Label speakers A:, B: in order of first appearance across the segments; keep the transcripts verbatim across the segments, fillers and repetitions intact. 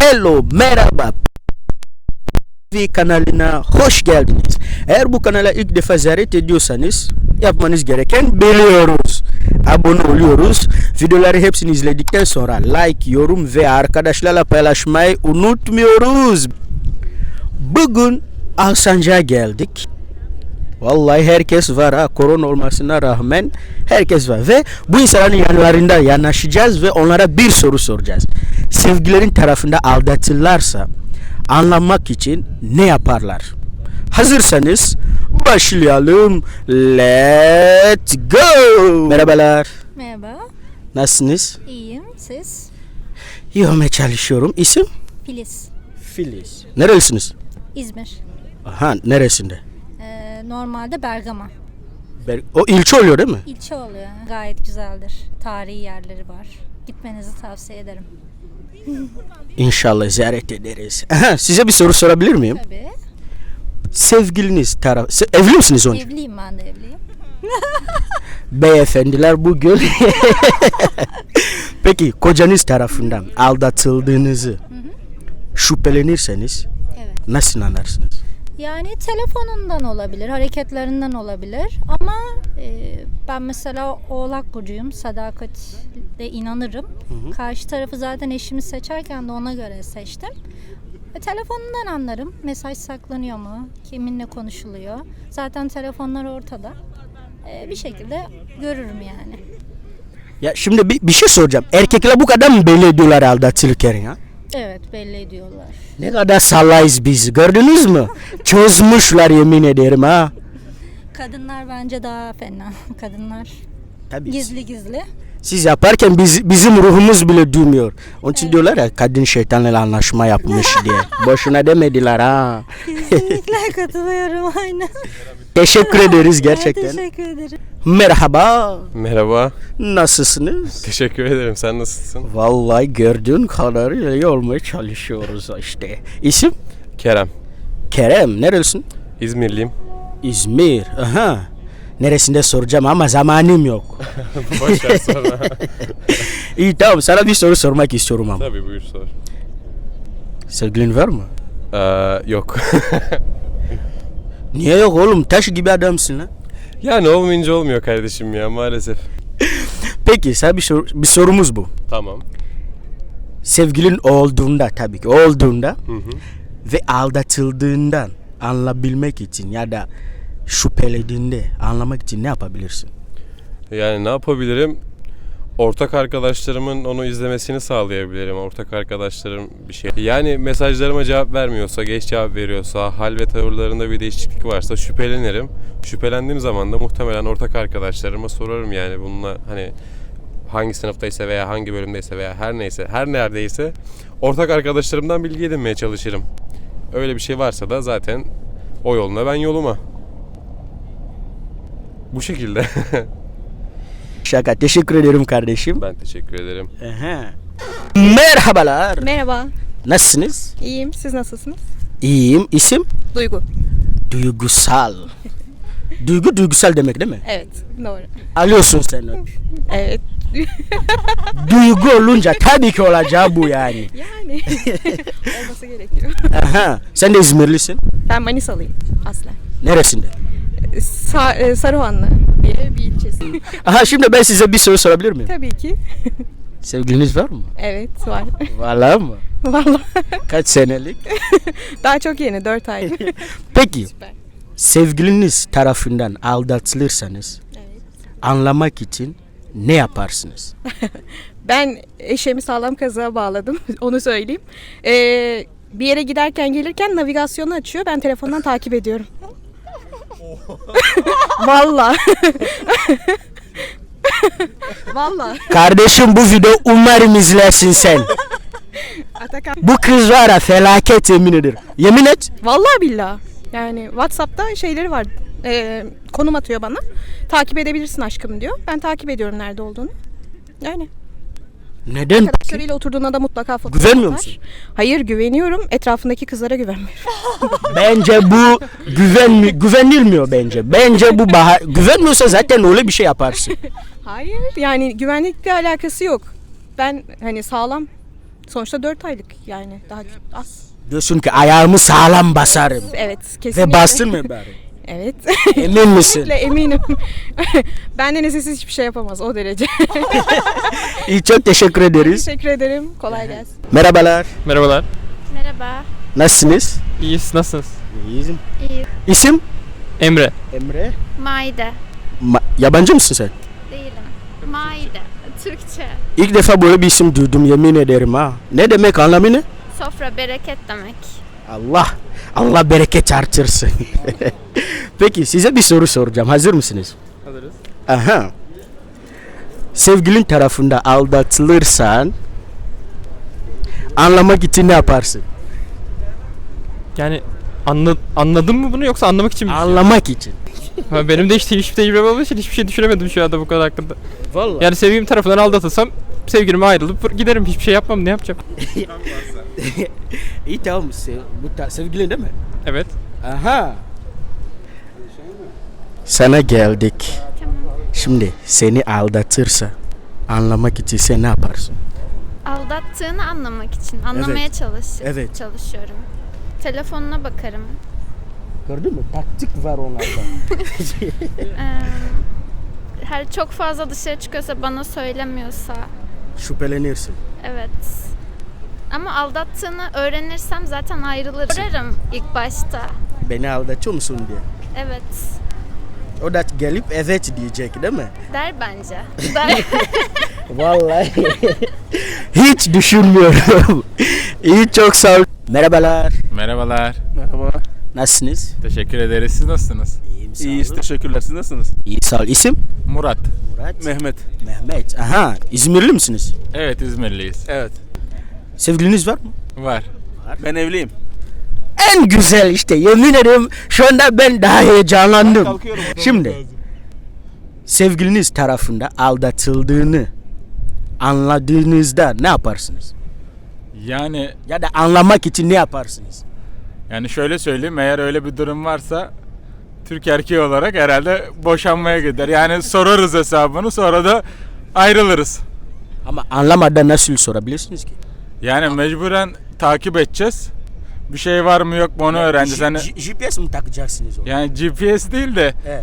A: Hello, merhaba. T V kanalına hoş geldiniz. Eğer bu kanala ilk defa ziyaret ediyorsanız yapmanız gereken biliyoruz. Abone oluyoruz. Videoları hepsini izledikten sonra like, yorum ve arkadaşlarla paylaşmayı unutmuyoruz. Bugün Alsancak'a geldik. Vallahi herkes var ha, korona olmasına rağmen herkes var ve bu insanların yanlarında yanaşacağız ve onlara bir soru soracağız. Sevgilerin tarafında aldatırlarsa anlamak için ne yaparlar? Hazırsanız başlayalım. Let's go. Merhabalar.
B: Merhaba.
A: Nasılsınız?
B: İyiyim. Siz?
A: İyi olmaya çalışıyorum. İsim?
B: Filiz.
A: Filiz. Nerelisiniz?
B: İzmir.
A: Aha, neresinde?
B: Ee, normalde Bergama.
A: Ber- o ilçe oluyor değil mi?
B: İlçe oluyor. Gayet güzeldir. Tarihi yerleri var. Gitmenizi tavsiye ederim.
A: İnşallah ziyaret ederiz. Aha, size bir soru sorabilir miyim?
B: Tabii.
A: Sevgiliniz taraf... Se- evli misiniz önce?
B: Evliyim, ben de evliyim.
A: Beyefendiler bugün... Peki kocanız tarafından aldatıldığınızı şüphelenirseniz
B: Evet.
A: nasıl anlarsınız?
B: Yani telefonundan olabilir, hareketlerinden olabilir ama e, ben mesela Oğlak burcuyum, sadakatle inanırım.
A: Hı hı.
B: Karşı tarafı zaten eşimi seçerken de ona göre seçtim. E, telefonundan anlarım, mesaj saklanıyor mu, kiminle konuşuluyor. Zaten telefonlar ortada. E, bir şekilde görürüm yani.
A: Ya şimdi bir, bir şey soracağım. Erkekler bu kadar mı belli ediyorlar aldatılırken ya?
B: Evet, belli ediyorlar.
A: Ne kadar sallayız biz, gördünüz mü? Çözmüşler yemin ederim ha.
B: Kadınlar bence daha fena. Kadınlar
A: Tabii.
B: gizli gizli.
A: Siz yaparken biz, bizim ruhumuz bile duymuyor. Onun için evet. Diyorlar ya kadın şeytanla anlaşma yapmış diye. Boşuna demediler ha.
B: Kesinlikle katılıyorum, aynen.
A: Teşekkür ederiz gerçekten.
B: Evet, teşekkür ederim.
A: Merhaba.
C: Merhaba.
A: Nasılsınız?
C: Teşekkür ederim. Sen nasılsın?
A: Vallahi gördüğün kadar iyi olmaya çalışıyoruz işte. İsim?
C: Kerem.
A: Kerem. Nerelisin?
C: İzmirliyim.
A: İzmir. Aha. Neresinde soracağım ama zamanım yok.
C: Boş ver sonra.
A: İyi tamam, sana bir soru sormak istiyorum ama.
C: Tabii buyur sor.
A: Sevgilin var mı?
C: Ee, yok.
A: Niye yok oğlum? Taş gibi adamsın lan.
C: Yani olmayınca olmuyor kardeşim ya maalesef.
A: Peki sana bir, sor- bir sorumuz bu.
C: Tamam.
A: Sevgilin olduğunda tabii ki olduğunda
C: Hı hı.
A: ve aldatıldığından anlayabilmek için ya da şüphelediğinde anlamak için ne yapabilirsin?
C: Yani ne yapabilirim? Ortak arkadaşlarımın onu izlemesini sağlayabilirim. Ortak arkadaşlarım bir şey. Yani mesajlarıma cevap vermiyorsa, geç cevap veriyorsa, hal ve tavırlarında bir değişiklik varsa şüphelenirim. Şüphelendiğim zaman da muhtemelen ortak arkadaşlarıma sorarım yani bununla hani hangi sınıftaysa veya hangi bölümdeyse veya her neyse, her neredeyse ortak arkadaşlarımdan bilgi edinmeye çalışırım. Öyle bir şey varsa da zaten o yoluna ben yoluma. Bu şekilde.
A: Şaka. Teşekkür ederim kardeşim.
C: Ben teşekkür ederim.
A: Aha. Merhabalar.
D: Merhaba,
A: Nasılsınız?
D: iyiyim. Siz nasılsınız?
A: İyiyim. İsim?
D: Duygu.
A: Duygusal. Duygu duygusal demek değil mi?
D: Evet, doğru.
A: Alıyorsun sen onu.
D: Evet.
A: Duygu olunca tabii ki olacağı bu yani.
D: Yani olması gerekiyor.
A: Aha. Sen de İzmirlisin.
D: Ben Manisalıyım aslen.
A: Neresinde?
D: Sa- e, Saruhanlı diye bir ilçesi.
A: Aha, şimdi ben size bir soru sorabilir miyim?
D: Tabii ki.
A: Sevgiliniz var mı?
D: Evet, var.
A: Vallahi mı?
D: Vallahi.
A: Kaç senelik?
D: Daha çok yeni, dört ay.
A: Peki
D: Süper.
A: sevgiliniz tarafından aldatılırsanız
D: Evet.
A: anlamak için ne yaparsınız?
D: Ben eşeğimi sağlam kazığa bağladım, onu söyleyeyim. Ee, bir yere giderken gelirken navigasyonu açıyor, ben telefondan takip ediyorum. Vallahi. Vallahi.
A: Kardeşim bu video umarım izlersin sen.
D: Atakan.
A: Bu kız var ya felaket, yemin ederim. Yemin et.
D: Vallahi billahi. Yani WhatsApp'ta şeyleri var. E, konum atıyor bana. Takip edebilirsin aşkım diyor. Ben takip ediyorum nerede olduğunu. Yani.
A: Neden?
D: Arkadaşlarıyla oturduğunda da mutlaka fotoğraf
A: Güvenmiyor
D: atar.
A: musun?
D: Hayır, güveniyorum. Etrafındaki kızlara güvenmiyorum.
A: Bence bu güven güvenilmiyor bence. Bence bu bahar güvenmiyorsa zaten öyle bir şey yaparsın.
D: Hayır. Yani güvenlikle alakası yok. Ben hani sağlam Sonuçta dört aylık yani daha az.
A: Diyorsun ki ayağımı sağlam basarım.
D: Evet kesinlikle.
A: Ve bastın mı bari?
D: Evet.
A: Emin misin?
D: Kesinlikle eminim. Benden esesiz hiçbir şey yapamaz o derece.
A: İyi, çok teşekkür ederiz.
D: Teşekkür ederim. Kolay gelsin.
A: Merhabalar.
E: Merhabalar.
F: Merhaba.
A: Nasılsınız?
E: İyiyiz. Nasılsınız?
A: İyiyim.
F: İyi.
A: İsim?
E: Emre.
A: Emre.
F: Maide.
A: Ma- yabancı mısın sen?
F: Değilim. Maide. Türkçe.
A: İlk defa böyle bir isim duydum, yemin ederim ha. Ne demek, anlamı ne?
F: Sofra bereket demek.
A: Allah, Allah bereket artırsın. Peki size bir soru soracağım. Hazır mısınız?
E: Hazırız.
A: Aha. Sevgilin tarafında aldatılırsan anlamak için ne yaparsın?
E: Yani anla, anladın mı bunu yoksa anlamak için mi?
A: Anlamak için.
E: Ha, benim de hiç hiçbir tecrübem olmadığı için hiçbir şey düşünemedim şu anda bu konu hakkında.
A: Vallahi.
E: Yani sevgilim tarafından aldatılsam sevgilime ayrılıp giderim. Hiçbir şey yapmam. Ne yapacağım?
A: İyi tamam. Se- bu ta- sevgilin değil mi?
E: Evet.
A: Aha. Sana geldik. Şimdi seni aldatırsa anlamak için sen ne yaparsın?
F: Aldattığını anlamak için. Anlamaya
A: Evet.
F: çalış
A: Evet.
F: çalışıyorum. Telefonuna bakarım.
A: Gördün mü? Taktik var onlarda.
F: Ee, her çok fazla dışarı çıkıyorsa, bana söylemiyorsa.
A: Şüphelenirsin.
F: Evet. Ama aldattığını öğrenirsem zaten ayrılırım. Sorarım ilk başta.
A: Beni aldatıyor musun diye.
F: Evet.
A: O da gelip evet diyecek değil mi?
F: Der bence. Der.
A: Vallahi. Hiç düşünmüyorum. İyi, çok sağ ol. Merhabalar.
G: Merhabalar.
H: Merhaba.
A: Nasılsınız?
G: Teşekkür ederiz. Siz nasılsınız?
A: İyiyim, sağ
H: İyiyiz,
A: olun.
H: teşekkürler. Siz nasılsınız?
A: İyi, sağ ol. İsim?
G: Murat.
A: Murat.
H: Mehmet.
A: Mehmet. Aha. İzmirli misiniz?
G: Evet, İzmirliyiz.
H: Evet.
A: Sevgiliniz var mı?
G: Var.
H: Ben evliyim.
A: En güzel işte. Yemin ederim şu anda ben daha heyecanlandım.
H: Kalkıyorum.
A: Şimdi sevgiliniz tarafında aldatıldığını anladığınızda ne yaparsınız?
G: Yani
A: Ya da anlamak için ne yaparsınız?
G: yani şöyle söyleyeyim, eğer öyle bir durum varsa Türk erkeği olarak herhalde boşanmaya gider. Yani sorarız hesabını, sonra da ayrılırız.
A: Ama anlamadan nasıl sorabilirsiniz ki?
G: Yani mecburen takip edeceğiz. Bir şey var mı yok mu onu öğreneceğiz. Hani
A: G- G P S mi takacaksınız onu?
G: yani G P S değil de
A: Evet.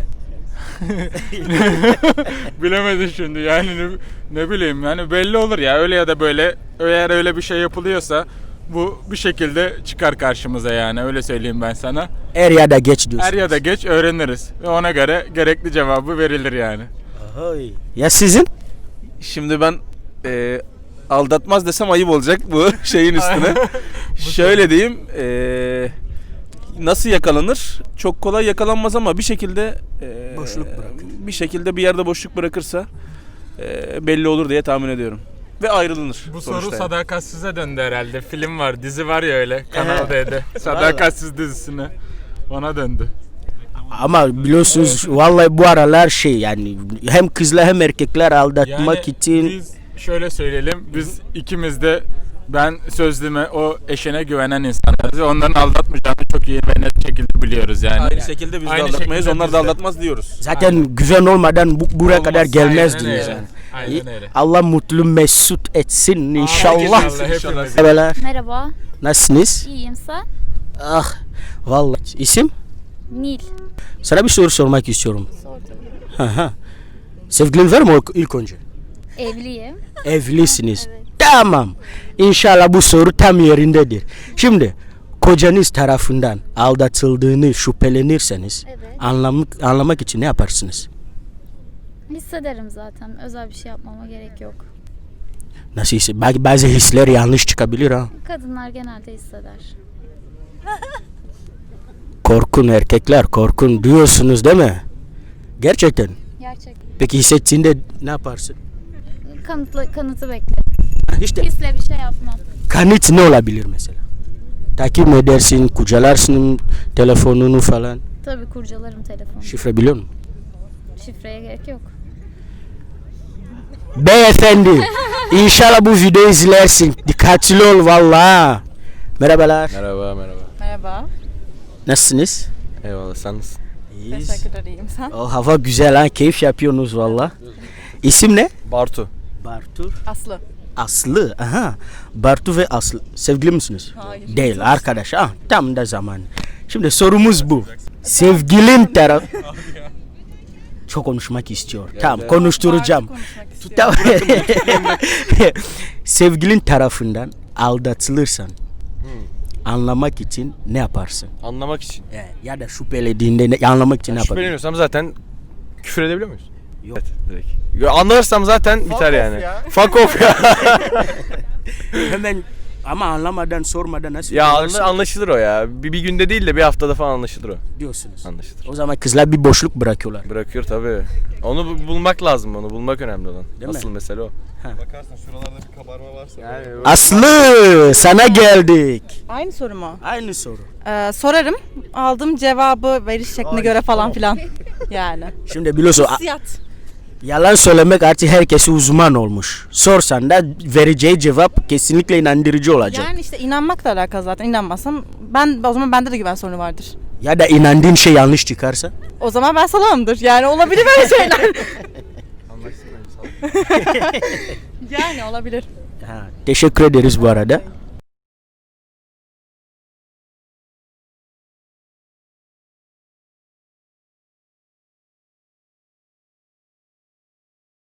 G: bilemedim şimdi yani ne, ne bileyim yani belli olur ya, öyle ya da böyle, eğer öyle bir şey yapılıyorsa bu bir şekilde çıkar karşımıza, yani öyle söyleyeyim ben sana.
A: Er ya da geç diyorsunuz.
G: Er ya da geç öğreniriz ve ona göre gerekli cevabı verilir yani.
A: Ahoy. Ya sizin?
H: Şimdi ben e, aldatmaz desem ayıp olacak bu şeyin üstüne. Şöyle diyeyim. E, nasıl yakalanır? Çok kolay yakalanmaz ama bir şekilde e,
A: Boşluk bırakır.
H: bir şekilde bir yerde boşluk bırakırsa e, belli olur diye tahmin ediyorum. Ve ayrılınır.
G: Bu
H: sonuçta
G: soru
H: yani.
G: Sadakatsiz'e döndü herhalde. Film var, dizi var ya öyle Kanal D'de. Sadakatsiz dizisine. Ona döndü.
A: Ama biliyorsunuz vallahi bu aralar şey yani hem kızlar hem erkekler aldatmak için
G: biz şöyle söyleyelim, biz ikimiz de, ben sözlüme, o eşine güvenen insanlarız. Onların aldatmayacağını çok iyi ve net şekilde biliyoruz yani.
H: Aynı şekilde biz de
G: Aynı
H: aldatmayız,
G: şekilde
H: onlar
G: biz
H: da
G: de.
H: aldatmaz diyoruz.
A: zaten güven olmadan bu, buraya
G: Olmaz,
A: kadar gelmez
G: aynen
A: diyoruz
G: öyle.
A: yani.
G: Aynen öyle.
A: Allah mutlu mesut etsin inşallah.
G: İnşallah hepimiz.
A: Merhabalar.
F: Merhaba.
A: Nasılsınız?
F: İyiyim sen?
A: Ah vallahi isim?
F: Nil.
A: Sana bir soru sormak istiyorum.
F: Sordum.
A: Hı hı. Sevgilin var mı o- ilk önce?
F: Evliyim.
A: Evlisiniz.
F: Evet.
A: Tamam. İnşallah bu soru tam yerindedir. Şimdi kocanız tarafından aldatıldığını şüphelenirseniz
F: Evet.
A: anlamak, anlamak için ne yaparsınız?
F: Hissederim zaten. Özel bir şey yapmama gerek yok.
A: Nasıl hisse- Belki bazı hisler yanlış çıkabilir ha.
F: Kadınlar genelde hisseder.
A: Korkun erkekler, korkun diyorsunuz değil mi? Gerçekten.
F: Gerçek.
A: Peki hissettiğinde ne yaparsın?
F: Kanıtlı, kanıtı beklerim.
A: İşte
F: Hisle bir şey yapmam.
A: kanıt ne olabilir mesela? Takip mi edersin, kucalarsın telefonunu falan.
F: Tabii kurcalarım telefonu.
A: Şifre biliyor musun?
F: Şifreye gerek yok.
A: Beyefendi, inşallah bu videoyu izlersin. Dikkatli ol vallahi. Merhabalar.
I: Merhaba merhaba.
D: Merhaba.
A: Nasılsınız?
I: Eyvallah, sen nasılsın?
A: İyiyiz.
D: Teşekkür ederim sen.
A: O hava güzel ha, keyif yapıyorsunuz valla. İsim ne?
I: Bartu.
A: Bartur.
D: Aslı.
A: Aslı. Aha. Bartu ve Aslı. Sevgili misiniz?
D: Hayır.
A: Değil arkadaş. Ah, tam da zaman. Şimdi sorumuz bu. Sevgilin taraf... Çok konuşmak istiyor. Tamam, konuşturacağım. Tamam. Sevgilin tarafından aldatılırsan anlamak için ne yaparsın?
I: Anlamak için.
A: Ya, ya da şüphelediğinde ne, anlamak için ne yaparsın?
I: Şüpheleniyorsam zaten küfür edebiliyor muyuz?
A: Yok.
I: Evet, direkt. Ya anlarsam zaten biter yani. Fuck off ya.
A: Hemen ama anlamadan sormadan nasıl
I: ya
A: yaparsın
I: anla- anlaşılır o ya. Bir, bir günde değil de bir haftada falan anlaşılır o.
A: diyorsunuz.
I: Anlaşılır.
A: O zaman kızlar bir boşluk bırakıyorlar.
I: Bırakıyor tabii. Onu bu- bulmak lazım, onu bulmak önemli olan.
A: Değil mi?
I: Asıl mesele o.
C: Bakarsan şuralarda bir kabarma varsa.
I: Yani
A: Aslı, sana geldik.
J: Aynı soru mu?
A: Aynı soru.
J: Ee, sorarım. Aldığım cevabı veriş şekline göre falan filan. Yani.
A: Şimdi biliyorsun a-
J: Hissiyat.
A: yalan söylemek artık herkesi uzman olmuş. Sorsan da vereceği cevap kesinlikle inandırıcı olacak.
J: Yani işte inanmakla alakalı zaten. İnanmazsam ben o zaman bende de güven sorunu vardır.
A: Ya da inandığın şey yanlış çıkarsa?
J: O zaman ben salamımdır. Yani olabilir böyle şeyler. yani olabilir.
A: Ha, teşekkür ederiz bu arada.